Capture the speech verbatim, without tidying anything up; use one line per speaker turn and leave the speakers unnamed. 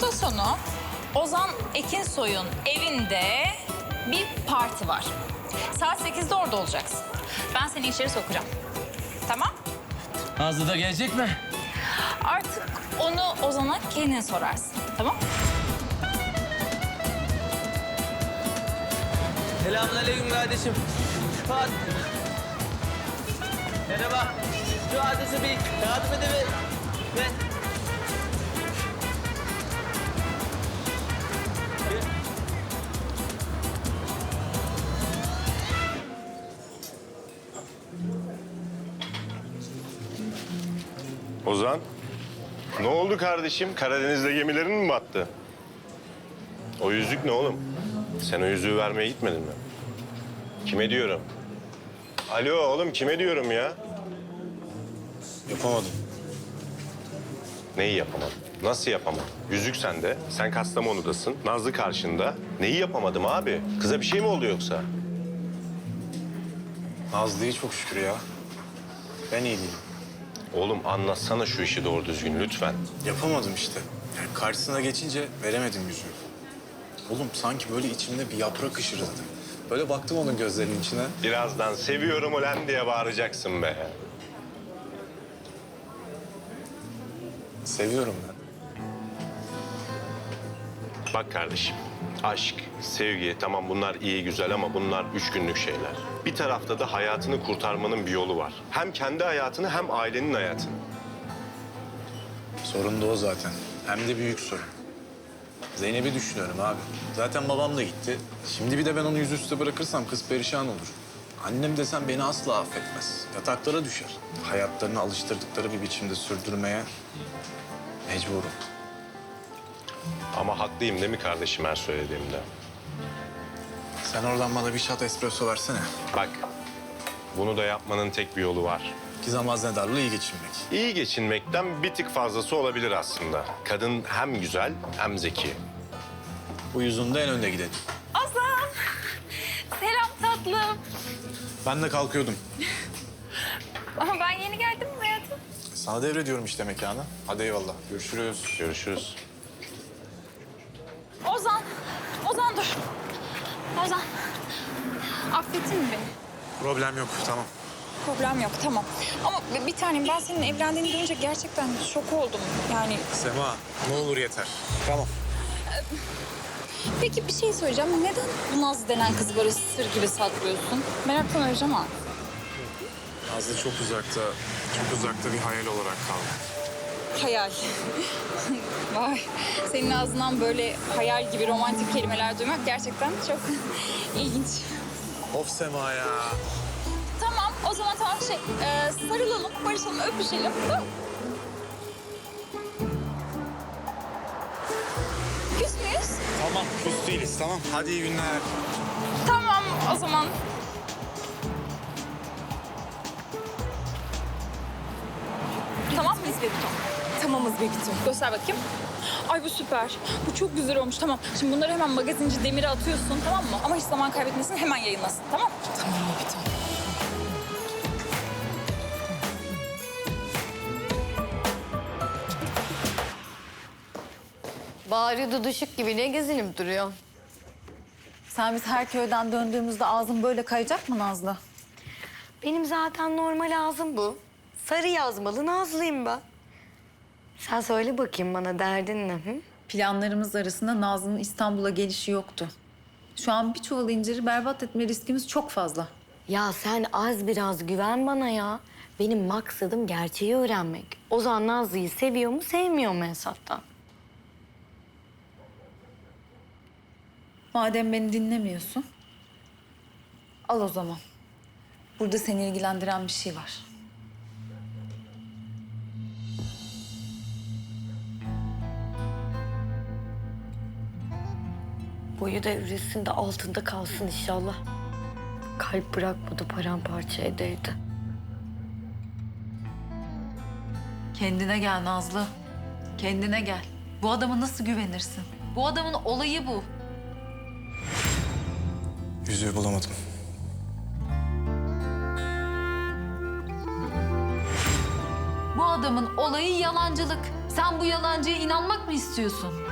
hafta sonu Ozan Ekinsoy'un evinde bir parti var. Saat sekizde orada olacaksın. Ben seni içeri sokacağım. Tamam?
Nazlı da gelecek mi?
Artık onu Ozan'a kendin sorarsın. Tamam?
Selamünaleyküm kardeşim. Fuat. Merhaba. Şu adresi bir yardım edebilir. Ne?
Ozan, ne oldu kardeşim? Karadeniz'de gemilerin mi battı? O yüzük ne oğlum? Sen o yüzüğü vermeye gitmedin mi? Kime diyorum? Alo oğlum, kime diyorum ya?
Yapamadım.
Neyi yapamadın? Nasıl yapamadın? Yüzük sende, sen Kastamonu'dasın, Nazlı karşında. Neyi yapamadım abi? Kıza bir şey mi oldu yoksa?
Nazlı iyi çok şükür ya. Ben iyi değilim.
Oğlum anlatsana şu işi doğru düzgün lütfen.
Yapamadım işte. Yani karşısına geçince veremedim yüzüğü. Oğlum sanki böyle içimde bir yaprak ışırıldı. Böyle baktım onun gözlerinin içine.
Birazdan seviyorum ulan diye bağıracaksın be.
Seviyorum ben.
Bak kardeşim, aşk, sevgi tamam bunlar iyi güzel ama bunlar üç günlük şeyler. Bir tarafta da hayatını kurtarmanın bir yolu var. Hem kendi hayatını hem ailenin hayatını.
Sorun da o zaten. Hem de büyük sorun. Zeynep'i düşünüyorum abi. Zaten babam da gitti. Şimdi bir de ben onu yüzüstü bırakırsam kız perişan olur. Annem desem beni asla affetmez. Yataklara düşer. Hayatlarını alıştırdıkları bir biçimde sürdürmeye mecburum.
Ama haklıyım değil mi kardeşim her söylediğimde?
Sen oradan bana bir shot espresso versene.
Bak, bunu da yapmanın tek bir yolu var.
Gizem Haznedar'la iyi geçinmek.
İyi geçinmekten bir tık fazlası olabilir aslında. Kadın hem güzel hem zeki.
Bu yüzünde en önde gidelim.
Ozan! Selam tatlım.
Ben de kalkıyordum.
Ama ben yeni geldim mi hayatım?
Sana devrediyorum işte mekanı. Hadi eyvallah. Görüşürüz.
Görüşürüz.
Ozan! Ozan dur. Ozan. Affettin mi beni?
Problem yok. Tamam.
Problem yok, tamam. Ama bir tanem ben senin evlendiğini duyunca gerçekten şok oldum. Yani
Sema ne olur yeter. Tamam.
peki bir şey söyleyeceğim. Neden bu Nazlı denen kızı böyle sır gibi saklıyorsun? Meraktan öleceğim ha.
Nazlı çok uzakta, çok uzakta bir hayal olarak kaldı.
Hayal. Vay. Senin ağzından böyle hayal gibi romantik kelimeler duymak gerçekten çok ilginç.
Of Sema ya.
Tamam, o zaman tamam şey, e, sarılalım, barışalım, öpüşelim. Tamam. Küs müyüz?
Tamam. Küs değiliz tamam. Hadi iyi günler.
Tamam, o zaman. Tamam mıyız Bebito? Tamamız Bebito. Göster bakayım. Ay bu süper. Bu çok güzel olmuş. Tamam. Şimdi bunları hemen magazinci Demir'e atıyorsun tamam mı? Ama hiç zaman kaybetmesin hemen yayınlasın tamam mı? Tamam Bebito.
Bari duduşuk gibi ne gezinip duruyor?
Sen biz her köyden döndüğümüzde ağzın böyle kayacak mı Nazlı?
Benim zaten normal ağzım bu. Sarı yazmalı Nazlıyım ben. Sen söyle bakayım bana derdin ne? Hı?
Planlarımız arasında Nazlı'nın İstanbul'a gelişi yoktu. Şu an bir çuval inciri berbat etme riskimiz çok fazla.
Ya sen az biraz güven bana ya. Benim maksadım gerçeği öğrenmek. Ozan Nazlı'yı seviyor mu sevmiyor mu hesaptan?
Madem beni dinlemiyorsun, al o zaman. Burada seni ilgilendiren bir şey var.
Boyu devrilsin de altında kalsın inşallah. Kalp bırakmadı paramparça edeydi.
Kendine gel Nazlı. Kendine gel. Bu adama nasıl güvenirsin? Bu adamın olayı bu.
Yüzüğü bulamadım.
Bu adamın olayı yalancılık. Sen bu yalancıya inanmak mı istiyorsun?